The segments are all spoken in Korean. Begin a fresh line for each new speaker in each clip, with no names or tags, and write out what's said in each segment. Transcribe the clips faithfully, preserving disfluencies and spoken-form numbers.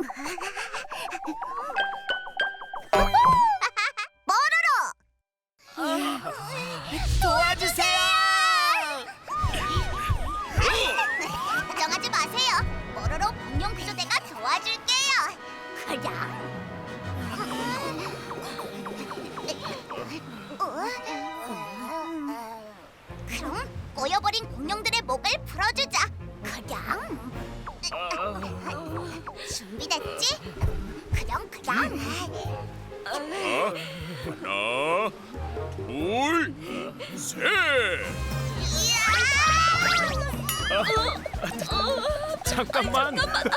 도와주세요!
걱정하지 마세요. 뽀로로 공룡 구조대가 도와줄게요. 그냥. 그럼 꼬여버린 공룡들의 목을 풀어주자. 그냥. 준비됐지? 그냥 그냥.
하나, 둘, 셋.
잠깐만.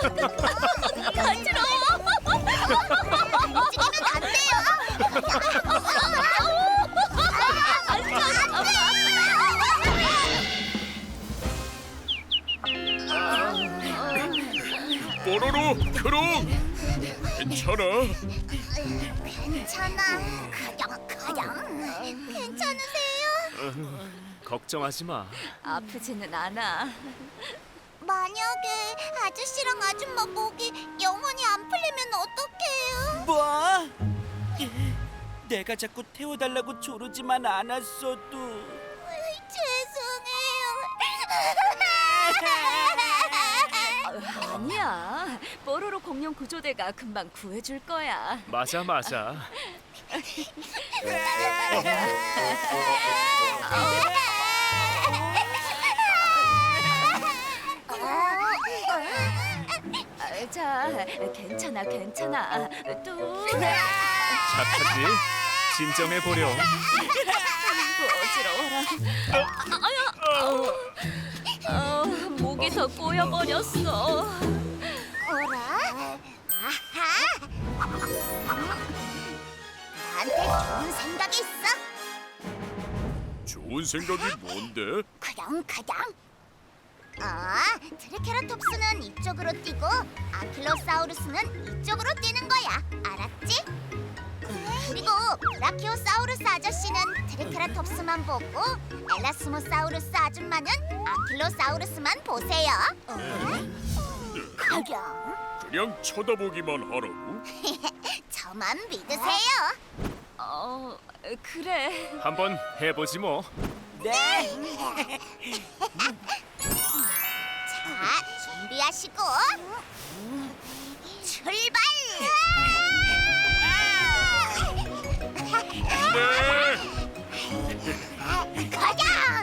간지러워. 움직이면 안 돼요.
뽀로로, 크롱, 괜찮아?
괜찮아. 그냥 그냥. 괜찮으세요?
걱정하지 마.
아프지는 않아.
만약에 아저씨랑 아줌마 목이 영원히 안 풀리면 어떡해요?
뭐? 내가 자꾸 태워달라고 조르지만 않았어도
죄송해요.
아니야. 뽀로로 공룡 구조대가 금방 구해줄 거야.
맞아 맞아. 아, 자, 괜찮아, 괜찮아. 또 착하지? 진정해 보려.
어지러워라. 어, 목이 더 꼬여버렸어.
어라? 아하! 나한테 좋은 생각이 있어.
좋은 생각이 뭔데?
그냥 그냥. 아, 트리케라톱스는 이쪽으로 뛰고 아킬로사우루스는 이쪽으로 뛰는 거야. 알았지? 그리고 브라키오사우루스 아저씨는 트리케라톱스만 보고 엘라스모사우루스 아줌마는 아킬로사우루스만 보세요. 어? 그냥
그냥 쳐다보기만 하라고?
저만 믿으세요.
어, 그래.
한번 해보지 뭐.
네!
자, 준비하시고 출발!
네.
가자!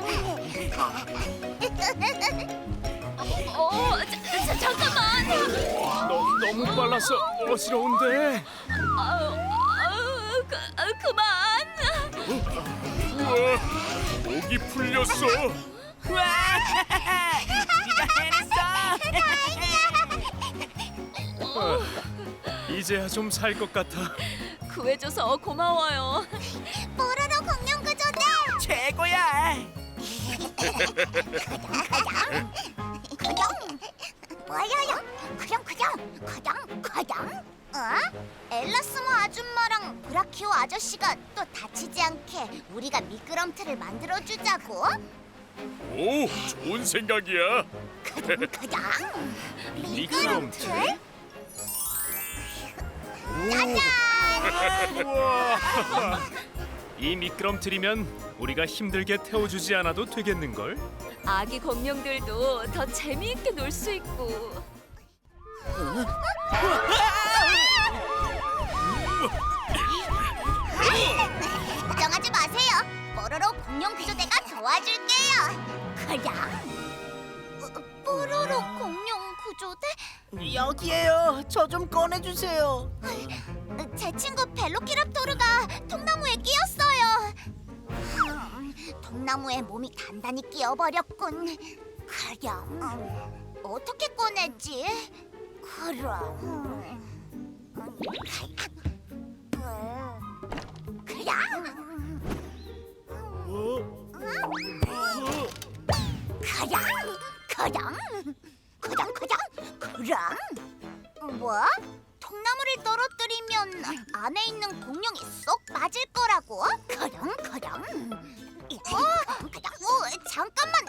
어, 자, 자, 잠깐만.
너, 너무 빨라서 어지러운데.
아우, 아우, 그, 아, 그만.
우와, 목이 풀렸어.
와! 우리가 해냈어!
이제야 좀 살 것 같아.
구해줘서 고마워요.
뽀로로 공룡 구조대!
최고야!
그냥 뭐야요? 그냥 그냥 그냥 그냥 어? 엘라스모 아줌마랑 브라키오 아저씨가 또 다치지 않게 우리가 미끄럼틀을 만들어주자고?
오, 좋은 생각이야.
그냥 그냥
미끄럼틀?
짜잔!
우와. 이 미끄럼틀이면 우리가 힘들게 태워주지 않아도 되겠는걸?
아기 공룡들도 더 재미있게 놀 수 있고.
걱정하지 마세요. 뽀로로 공룡 구조대가 도와줄게요. 그냥 어, 뽀로로 공룡 구조대?
여기에요. 저 좀 꺼내주세요.
제 친구 벨로키랍토르가 통나무에 끼었어요. 음, 통나무에 몸이 단단히 끼어버렸군. 그럼 음, 어떻게 꺼내지? 그럼 그냥 그냥 그냥 그냥 그냥 그냥 뭐? 통나무를 떨어뜨리면 안에 있는 공룡이 쏙 빠질 거라고? 그럼 그럼 어, 그냥 어, 잠깐만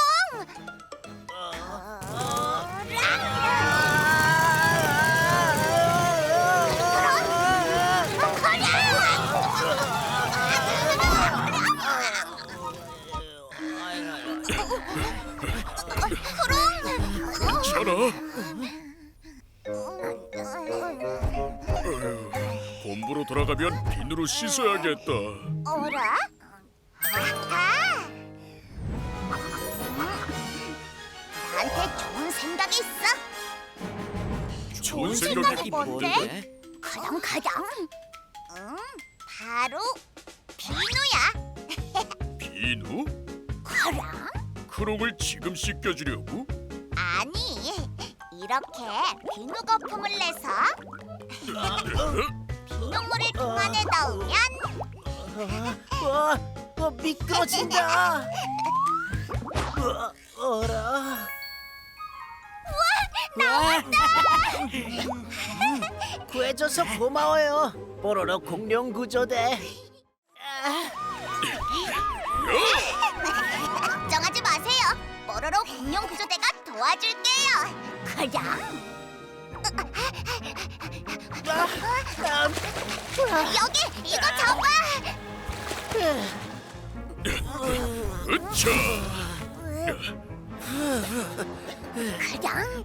크롱
돌아가면 비누로 씻어야겠다.
어라? 아하! 나한테 좋은 생각이 있어.
좋은
생각이
생각이
뭔데? 가장 가장. 응, 바로 비누야.
비누?
그럼?
크롱을 지금 씻겨주려고?
아니, 이렇게 비누 거품을 내서 비눗물을 통 안에 넣으면
와, 어, 미끄러진다. 우와, 어라. 나왔다. 구해줘서 고마워요, 뽀로로 공룡 구조대.
걱정하지 마세요. 뽀로로 공룡 구조대가 도와줄게요. 그냥 여기 이거 잡아.
으차!
그냥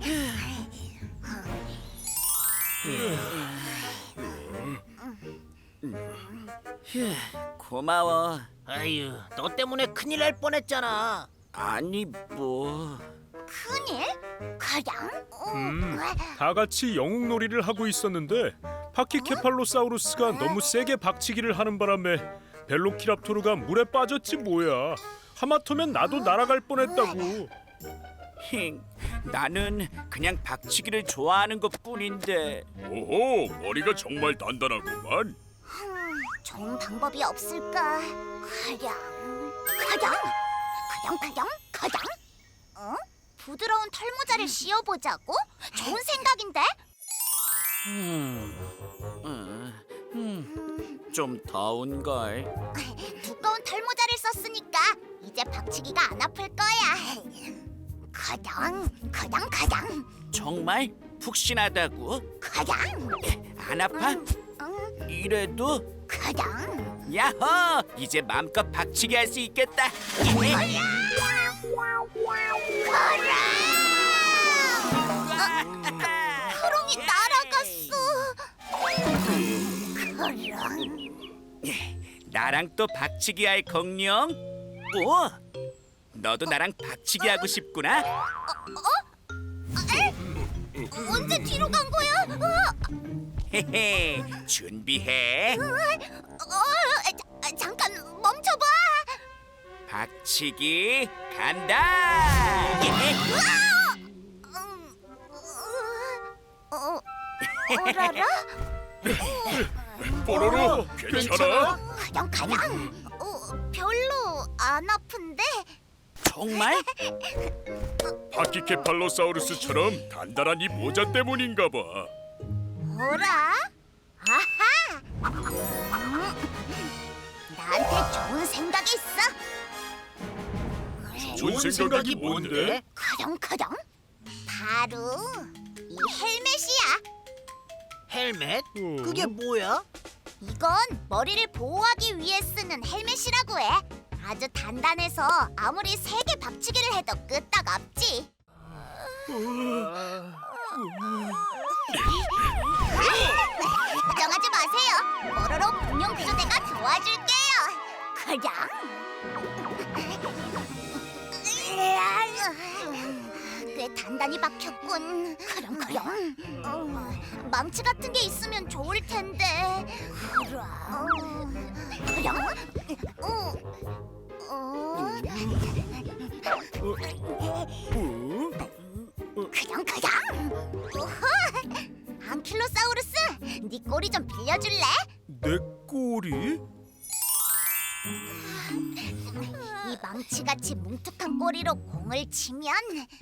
고마워. 아유, 너 때문에 큰일 날 뻔했잖아. 아니 뭐.
큰일? 그냥
음, 다 같이 영웅놀이를 하고 있었는데 파키케팔로사우루스가 너무 세게 박치기를 하는 바람에 벨로키랍토르가 물에 빠졌지 뭐야. 하마터면 나도 날아갈 뻔했다고.
힝, 나는 그냥 박치기를 좋아하는 것뿐인데.
오호, 머리가 정말 단단하구만.
좋은 방법이 없을까? 그냥 그냥 그냥 그냥 그냥 어? 부드러운 털모자를 씌워보자고? 좋은 생각인데?
좀 더운걸.
두꺼운 털모자를 썼으니까 이제 박치기가 안 아플 거야. 그냥 그냥 그냥
정말 푹신하다고?
그냥
안 아파?
응,
이래도?
그냥
야호! 이제 마음껏 박치기 할 수 있겠다.
크롱이 날아갔어. 크롱
나랑 또 박치기 할 공룡? 오! 너도 나랑 박치기 하고 싶구나?
언제 뒤로 간 거야?
헤헤, 준비해.
어, 자, 잠깐 멈춰봐.
박치기 간다. 예.
어, 어라라?
뽀로로, 괜찮아?
그냥 그냥. 어, 별로 안 아픈데.
정말?
파키케팔로사우루스처럼 단단한 이 모자 때문인가 봐.
어라? 아하. 음, 나한테 좋은 생각이 있어.
좋은 생각이 뭔데?
그냥 그냥. 바로 이 헬멧이야.
헬멧? 그게 뭐야?
이건 머리를 보호하기 위해 쓰는 헬멧이라고 해. 아주 단단해서 아무리 세게 박치기를 해도 끄떡 없지. 걱정하지 마세요. 뽀로로 공룡 구조대가 도와줄게요. 그냥. 꽤 단단히 박혔군. 그럼 그럼. 어, 망치 같은 게 있으면 좋을 텐데. 그럼. 그럼. 어. 어. 그냥 그냥. 오호. 안킬로사우루스, 네 꼬리 좀 빌려줄래?
내 꼬리?
이 망치같이 뭉툭한 꼬리로 공을 치면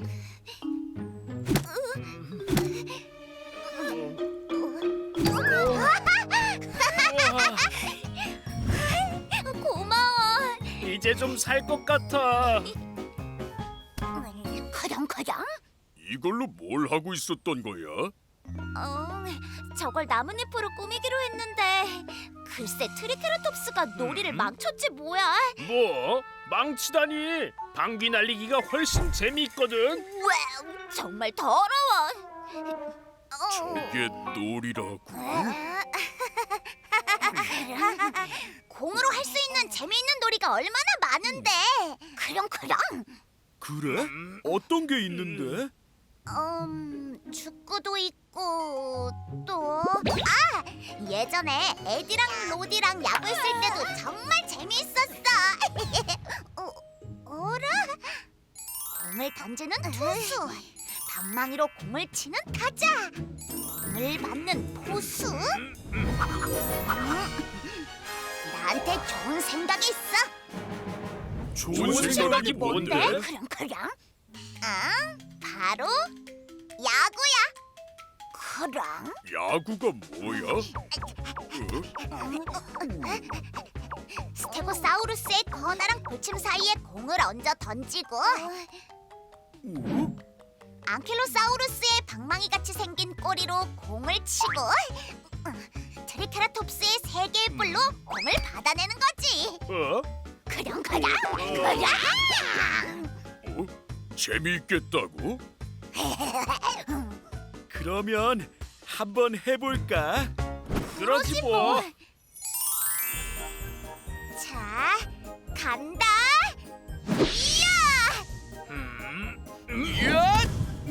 고마워.
이제 좀 살 것 같아.
그냥 그냥.
이걸로 뭘 하고 있었던 거야?
어, 저걸 나뭇잎으로 꾸미기로 했는데 글쎄 트리케라톱스가 놀이를 망쳤지 뭐야.
뭐? 망치다니. 방귀 날리기가 훨씬 재미있거든.
왜? 정말 더러워. 어.
이게 놀이라고?
아, 재미있는 놀이가 얼마나 많은데. 그렁그렁.
그래? 어떤 게 있는데?
음, 축구도 있고 또 아! 예전에 에디랑 로디랑 야구했을 때도 정말 재미있었어. 어, 어라? 공을 던지는 투수, 방망이로 공을 치는 타자, 공을 맞는 포수. 음, 나한테 좋은 생각이 있어.
좋은 생각이 뭔데?
그렁그렁. 아, 바로 야구야. 그럼
야구가 뭐야?
스테고사우루스의 거나랑 골침 사이에 공을 얹어 던지고
어?
앙킬로사우루스의 방망이 같이 생긴 꼬리로 공을 치고 트리케라톱스의 세 개의 뿔로 공을 받아내는 거지.
어?
그럼 그럼 그럼.
어? 재미있겠다고? 그러면 한번 해볼까?
그러지 뭐.
자, 간다. 이야!
이야!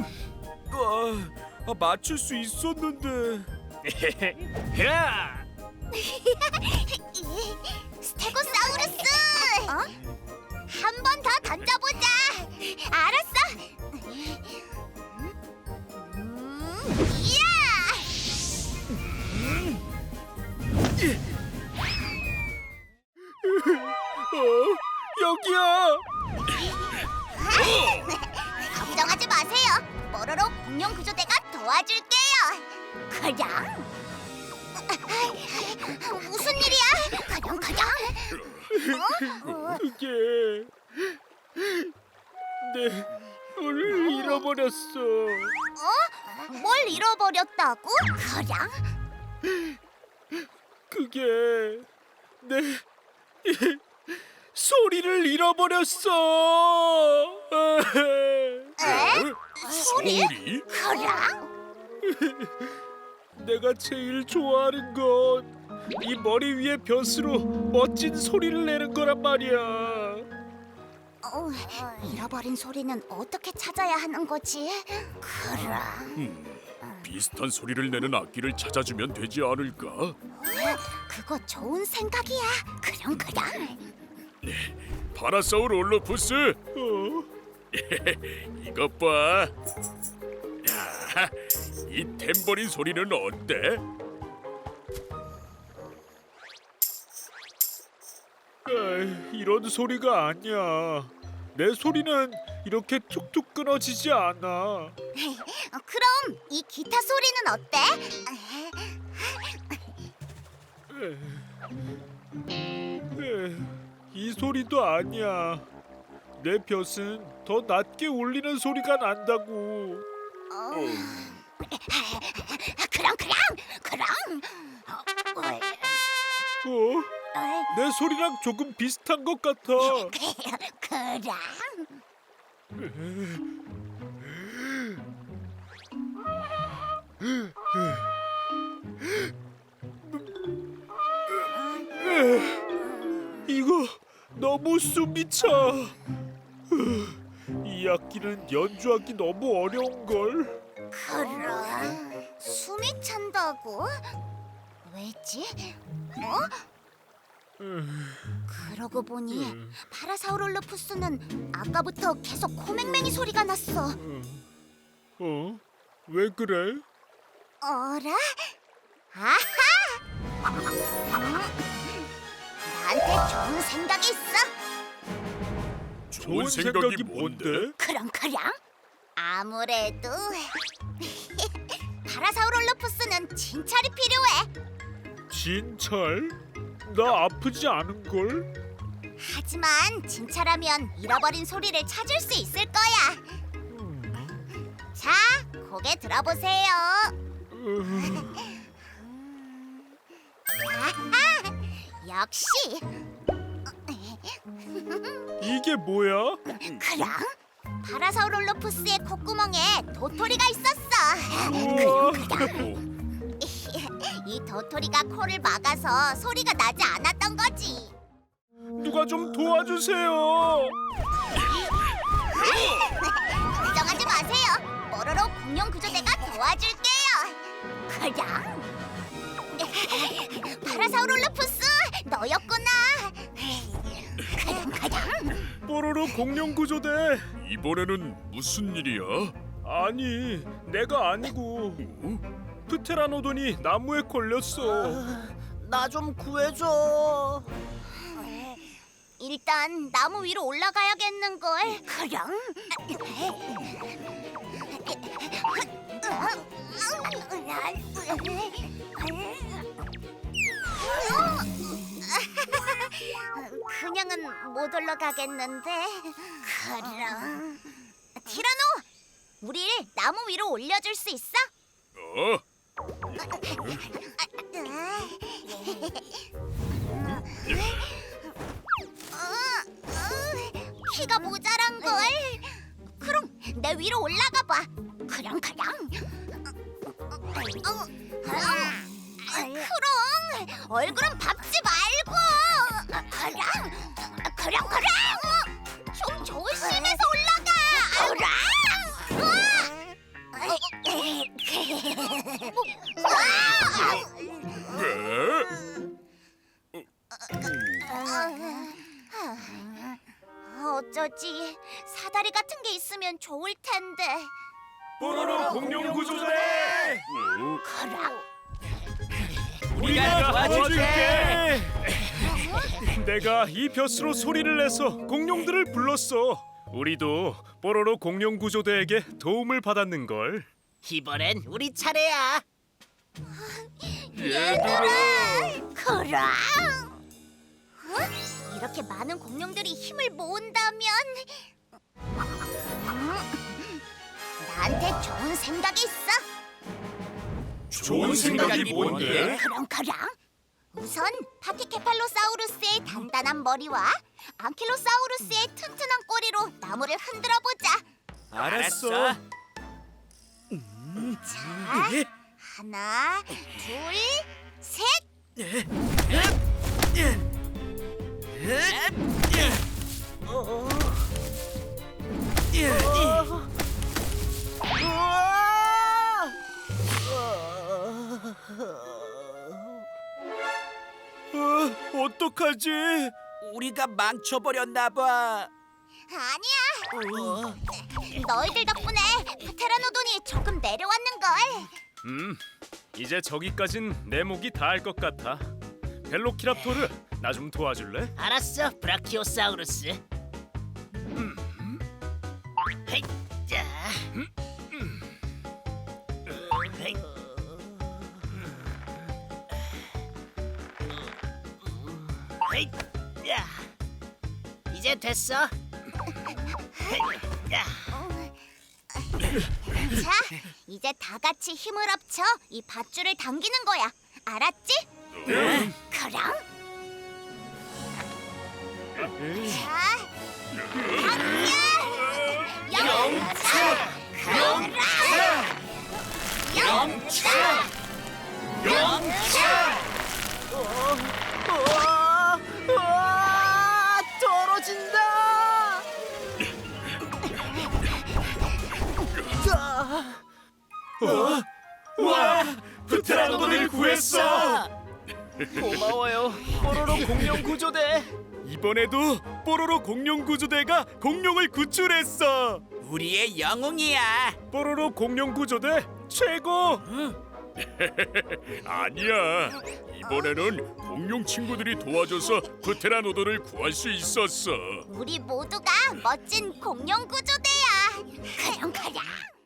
아, 맞출 수 있었는데.
야!
스테고사우루스! 어? 한 번 더 던져보자. 알았어. 음, 이야!
어? 여기야.
걱정하지 마세요. 뽀로로 공룡 구조대가 도와줄게요. 그냥. 무슨 일이야? 그냥 그냥. 어?
그게 내 오늘 잃어버렸어.
어? 뭘 잃어버렸다고? 그냥?
그게 내 소리를 잃어버렸어.
에? 소리?
소리?
그냥?
내가 제일 좋아하는 건 이 머리 위에 벼스로 멋진 소리를 내는 거란 말이야.
어, 잃어버린 소리는 어떻게 찾아야 하는 거지? 그럼.
음, 비슷한 소리를 내는 악기를 찾아주면 되지 않을까?
그거 좋은 생각이야. 그럼 그럼.
파라사우르올로푸스,
어?
이것 봐. 야, 이 탬버린 소리는 어때?
에이, 이런 소리가 아니야. 내 소리는 이렇게 툭툭 끊어지지 않아.
어, 그럼 이 기타 소리는 어때?
에이, 이 소리도 아니야. 내 벼슬은 더 낮게 울리는 소리가 난다고.
어. 그럼 그럼 그럼. 어, 어,
어?
어,
내 소리랑 조금 비슷한 것 같아.
그럼.
이거 너무 숨이 차. 이 악기는 연주하기 너무 어려운 걸.
그럼. 숨이 찬다고? 왜지? 어? 그러고 보니 파라사우롤로푸스는 아까부터 계속 코맹맹이 소리가 났어.
어? 왜 그래?
어라? 아하! 음, 나한테 좋은 생각이 있어.
좋은 생각이 뭔데?
그럼 그럼. 아무래도 파라사우롤로푸스는 진찰이 필요해.
진찰? 나 아프지 않은 걸?
하지만 진찰하면 잃어버린 소리를 찾을 수 있을 거야. 자, 고개 들어보세요. 아하, 역시.
이게 뭐야?
그럼 파라사우롤로푸스의 콧구멍에 도토리가 있었어.
우와.
이 도토리가 코를 막아서 소리가 나지 않았던 거지.
누가 좀 도와주세요.
걱정하지 마세요. 뽀로로 공룡 구조대가 도와줄게요. 가장. 파라사우룰루푸스, 너였구나. 가장 가장.
뽀로로 공룡 구조대.
이번에는 무슨 일이야?
아니, 내가 아니고 프테라노돈이 나무에 걸렸어.
나 좀 구해줘.
일단 나무 위로 올라가야겠는걸. 그럼. 그냥은 못 올라가겠는데. 그럼. 티라노, 우릴 나무 위로 올려줄 수 있어?
어?
키가 모자란 걸. 그럼 내 위로 올라가 봐. 그럼 그럼. 그럼 얼굴은 밟지 말고. 그럼 그럼 그럼. 좀 조심해서 올라가. 어쩌지? 사다리 같은 게 있으면 좋을 텐데.
뽀로로 공룡 구조대.
그럼.
우리가 도와줄게.
내가 이 벼스로 소리를 내서 공룡들을 불렀어. 우리도 뽀로로 공룡 구조대에게 도움을 받았는 걸.
이번엔 우리 차례야.
얘들아. 그럼. 어? 이렇게 많은 공룡들이 힘을 모은다면 음, 나한테 좋은 생각이 있어.
좋은 생각이 뭔데?
그럼 그럼. 우선 파티케팔로사우루스의 단단한 머리와 앙킬로사우루스의 튼튼한 꼬리로 나무를 흔들어 보자.
알았어.
자, 하나, 둘, 셋.
어, 어떡하지?
우리가 망쳐버렸나 봐.
아니야. 너희들 덕분에 프테라노돈이 조금 내려왔는 걸.
음, 이제 저기까진 내 목이 닿을 것 같아. 벨로키랍토르, 나 좀 도와줄래?
알았어, 브라키오사우루스. 헤이, 자. 헤이. 헤이, 야. 이제 됐어. 헤이, 야.
자, 이제 다 같이 힘을 합쳐 이 밧줄을 당기는 거야. 알았지? 그럼. 자, 당겨! 영차! 영차! 영차! 영차!
우와, 우와, 떨어진다.
와, 프테라노돈을 구했어.
고마워요, 뽀로로 공룡 구조대.
이번에도 뽀로로 공룡 구조대가 공룡을 구출했어.
우리의 영웅이야.
뽀로로 공룡 구조대 최고.
아니야. 이번에는 공룡 친구들이 도와줘서 프테라노돈을 구할 수 있었어.
우리 모두가 멋진 공룡 구조대야. 그럼 그럼.